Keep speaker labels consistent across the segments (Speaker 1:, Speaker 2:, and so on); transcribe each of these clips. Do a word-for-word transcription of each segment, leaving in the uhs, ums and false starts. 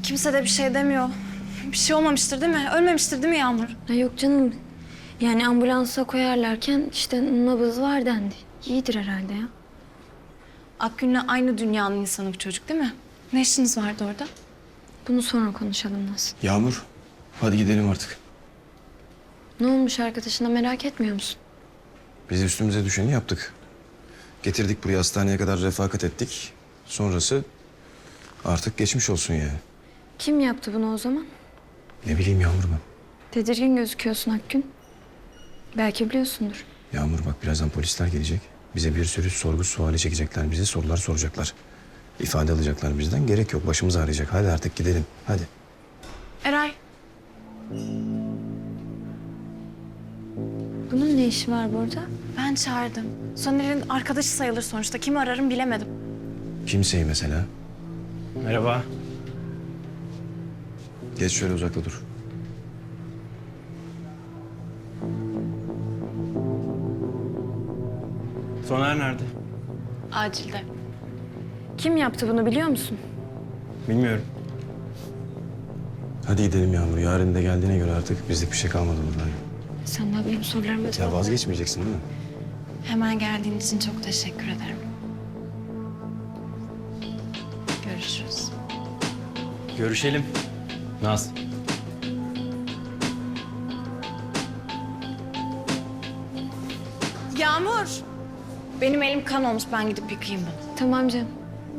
Speaker 1: Kimse de bir şey demiyor. Bir şey olmamıştır değil mi? Ölmemiştir değil mi Yağmur?
Speaker 2: Ha, yok canım. Yani ambulansa koyarlarken işte nabız var dendi. İyidir herhalde ya.
Speaker 1: Akgün'le aynı dünyanın insanı bu çocuk değil mi? Ne işiniz vardı orada?
Speaker 2: Bunu sonra konuşalım Naz.
Speaker 3: Yağmur, hadi gidelim artık.
Speaker 2: Ne olmuş arkadaşına merak etmiyor musun?
Speaker 3: Biz üstümüze düşeni yaptık. Getirdik buraya, hastaneye kadar refakat ettik. Sonrası artık geçmiş olsun yani.
Speaker 2: Kim yaptı bunu o zaman?
Speaker 3: Ne bileyim Yağmur ben.
Speaker 2: Tedirgin gözüküyorsun Akgün. Belki biliyorsundur.
Speaker 3: Yağmur bak, birazdan polisler gelecek. Bize bir sürü sorgu suali çekecekler. Bize sorular soracaklar. İfade alacaklar bizden. Gerek yok, başımız ağrıyacak. Hadi artık gidelim, hadi.
Speaker 1: Eray.
Speaker 2: Bunun ne işi var burada?
Speaker 1: Ben çağırdım. Soner'in arkadaşı sayılır sonuçta. Kimi ararım bilemedim.
Speaker 3: Kimseyi mesela.
Speaker 4: Merhaba.
Speaker 3: Geç şöyle, uzakta dur.
Speaker 4: Soner nerede?
Speaker 1: Acilde.
Speaker 2: Kim yaptı bunu biliyor musun?
Speaker 4: Bilmiyorum.
Speaker 3: Hadi gidelim Yağmur. Yarın da geldiğine göre artık bizlik bir şey kalmadı burada.
Speaker 2: Sen daha benim sorularıma
Speaker 3: Ya
Speaker 2: cevap ver.
Speaker 3: vazgeçmeyeceksin değil mi?
Speaker 1: Hemen geldiğin için çok teşekkür ederim. Görüşürüz.
Speaker 4: Görüşelim. Naz.
Speaker 1: Yağmur. Benim elim kan olmuş. Ben gidip yıkayayım bunu.
Speaker 2: Tamam canım.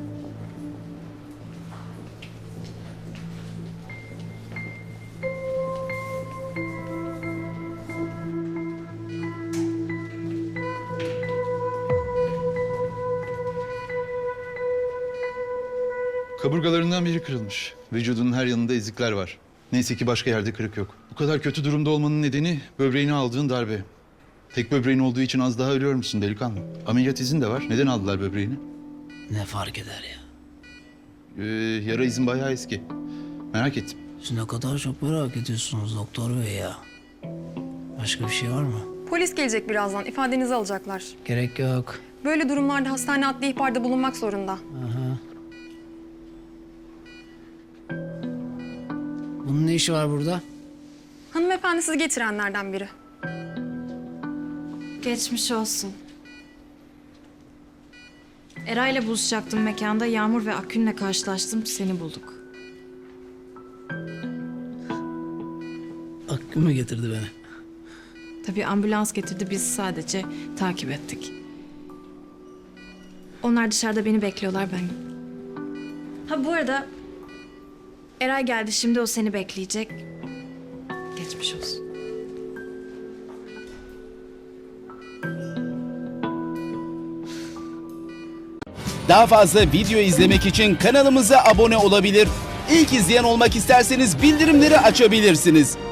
Speaker 5: Kaburgalarından biri kırılmış. Vücudunun her yanında ezikler var. Neyse ki başka yerde kırık yok. Bu kadar kötü durumda olmanın nedeni böbreğine aldığın darbe. Tek böbreğin olduğu için az daha ölüyor musun delikanlı? Ameliyat izin de var. Neden aldılar böbreğini?
Speaker 6: Ne fark eder ya?
Speaker 5: Ee, yara izin bayağı eski. Merak ettim.
Speaker 6: Siz ne kadar çok merak ediyorsunuz doktor bey ya. Başka bir şey var mı?
Speaker 7: Polis gelecek birazdan. İfadenizi alacaklar.
Speaker 6: Gerek yok.
Speaker 7: Böyle durumlarda hastane adli ihbarda bulunmak zorunda.
Speaker 6: Aha. Bunun ne işi var burada?
Speaker 7: Hanımefendi sizi getirenlerden biri.
Speaker 1: Geçmiş olsun. Eray'la buluşacaktım mekanda. Yağmur ve Akgün'le karşılaştım. Seni bulduk.
Speaker 6: Akgün mü getirdi beni?
Speaker 1: Tabii ambulans getirdi. Biz sadece takip ettik. Onlar dışarıda beni bekliyorlar, ben. Ha bu arada Eray geldi. Şimdi o seni bekleyecek. Geçmiş olsun.
Speaker 8: Daha fazla video izlemek için kanalımıza abone olabilir. İlk izleyen olmak isterseniz bildirimleri açabilirsiniz.